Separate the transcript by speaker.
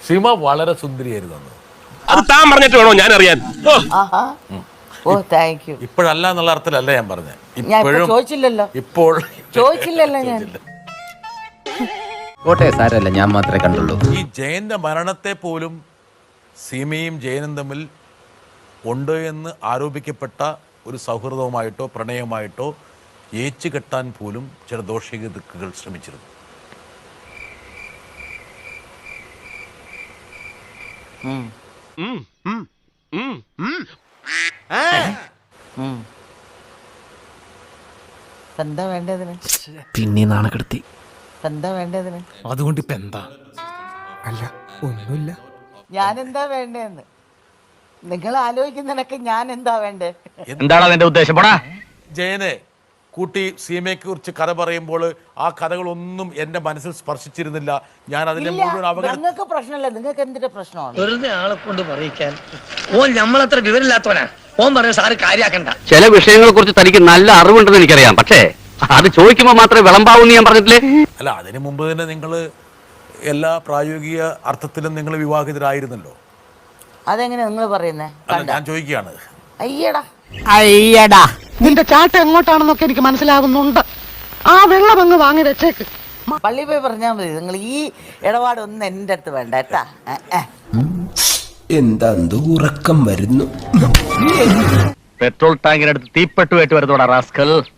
Speaker 1: സീമ വളരെ സുന്ദരിയായിരുന്നു അന്ന്.
Speaker 2: അത് താൻ പറഞ്ഞിട്ട് വേണോ ഞാൻ അറിയാൻ?
Speaker 3: Oh thank you.
Speaker 1: ഇപ്പോഴല്ല എന്നുള്ള അർത്ഥത്തിലല്ല ഞാൻ പറഞ്ഞത്.
Speaker 3: ഞാൻ ചോദിച്ചില്ലല്ലോ.
Speaker 1: ഇപ്പോൾ
Speaker 3: ചോദിച്ചില്ലല്ലോ ഞാൻ.
Speaker 4: കോട്ടെ സാരല്ല, ഞാൻ മാത്രമേ കണ്ടുള്ളൂ.
Speaker 1: ഈ ജയന്റെ മരണത്തെ പോലും സീമയും ജയനും തമ്മിൽ ഉണ്ട് എന്ന് ആരോപിക്കപ്പെട്ട ഒരു സൗഹൃദവുമായിട്ടോ പ്രണയമായിട്ടോ ഏച്ചു കെട്ടാൻ പോലും ചില ദോഷിക ദിക്കുകൾ ശ്രമിച്ചിരുന്നു.
Speaker 3: എന്താ വേണ്ടതിന്?
Speaker 4: പിന്നെ നാണക്കെടുത്തി.
Speaker 3: എന്താ വേണ്ടതിന്?
Speaker 5: അതുകൊണ്ട് ഇപ്പൊ എന്താ? അല്ല ഒന്നുമില്ല.
Speaker 3: ഞാൻ എന്താ വേണ്ടതെന്ന് നിങ്ങൾ ആലോചിക്കുന്നതിനൊക്കെ ഞാൻ എന്താ വേണ്ടേ?
Speaker 4: എന്താണ് അതിന്റെ ഉദ്ദേശം? പോടാ.
Speaker 1: ജയനെ കൂട്ടി സീമയെ കുറിച്ച് കഥ പറയുമ്പോൾ ആ കഥകളൊന്നും എന്റെ മനസ്സിൽ സ്പർശിച്ചിരുന്നില്ല. ഞാൻ അതിനെ മുഴുവൻ
Speaker 3: നിങ്ങൾക്ക് പ്രശ്നമല്ല, നിങ്ങൾക്ക് എന്തിന്റെ പ്രശ്നമാണ്?
Speaker 6: വെറുതെ ആളെ കൊണ്ട് പറയിക്കാൻ. ഓൻ നമ്മളത്ര വിവരമില്ലാത്തവനാ. ഓൻ പറഞ്ഞ സാറ് കാര്യാക്കണ്ട.
Speaker 4: ചില വിഷയങ്ങളെ കുറിച്ച് തനിക്ക് നല്ല അറിവുണ്ടെന്ന് എനിക്കറിയാം, പക്ഷേ അത് ചോദിക്കുമ്പോ മാത്രമേ വിളമ്പാവൂന്ന് ഞാൻ പറഞ്ഞിട്ടില്ലേ?
Speaker 1: അല്ല, അതിനു മുമ്പ് തന്നെ നിങ്ങൾ എല്ലാ പ്രായോഗിക അർത്ഥത്തിലും നിങ്ങൾ വിവാഹിതരായിരുന്നല്ലോ.
Speaker 3: അതെങ്ങനെ നിങ്ങൾ പറയുന്നേ?
Speaker 1: അല്ല, ഞാൻ ചോദിക്കുകയാണ്.
Speaker 3: അയ്യടാ
Speaker 7: നിന്റെ ചാട്ട എങ്ങോട്ടാണെന്നൊക്കെ എനിക്ക് മനസ്സിലാവുന്നുണ്ട്. ആ വെള്ളം അങ്ങ് വാങ്ങി വെച്ചേക്ക്.
Speaker 3: പള്ളി പോയി പറഞ്ഞാൽ മതി. നിങ്ങൾ ഈ ഇടപാടൊന്നും എൻ്റെ അടുത്ത് വേണ്ട കേട്ടാ.
Speaker 8: എന്താ ഉറക്കം വരുന്നു.
Speaker 4: പെട്രോൾ ടാങ്കിനടുത്ത് തീപ്പെട്ടുമായിട്ട് വരുന്നോടാ റാസ്കൽ.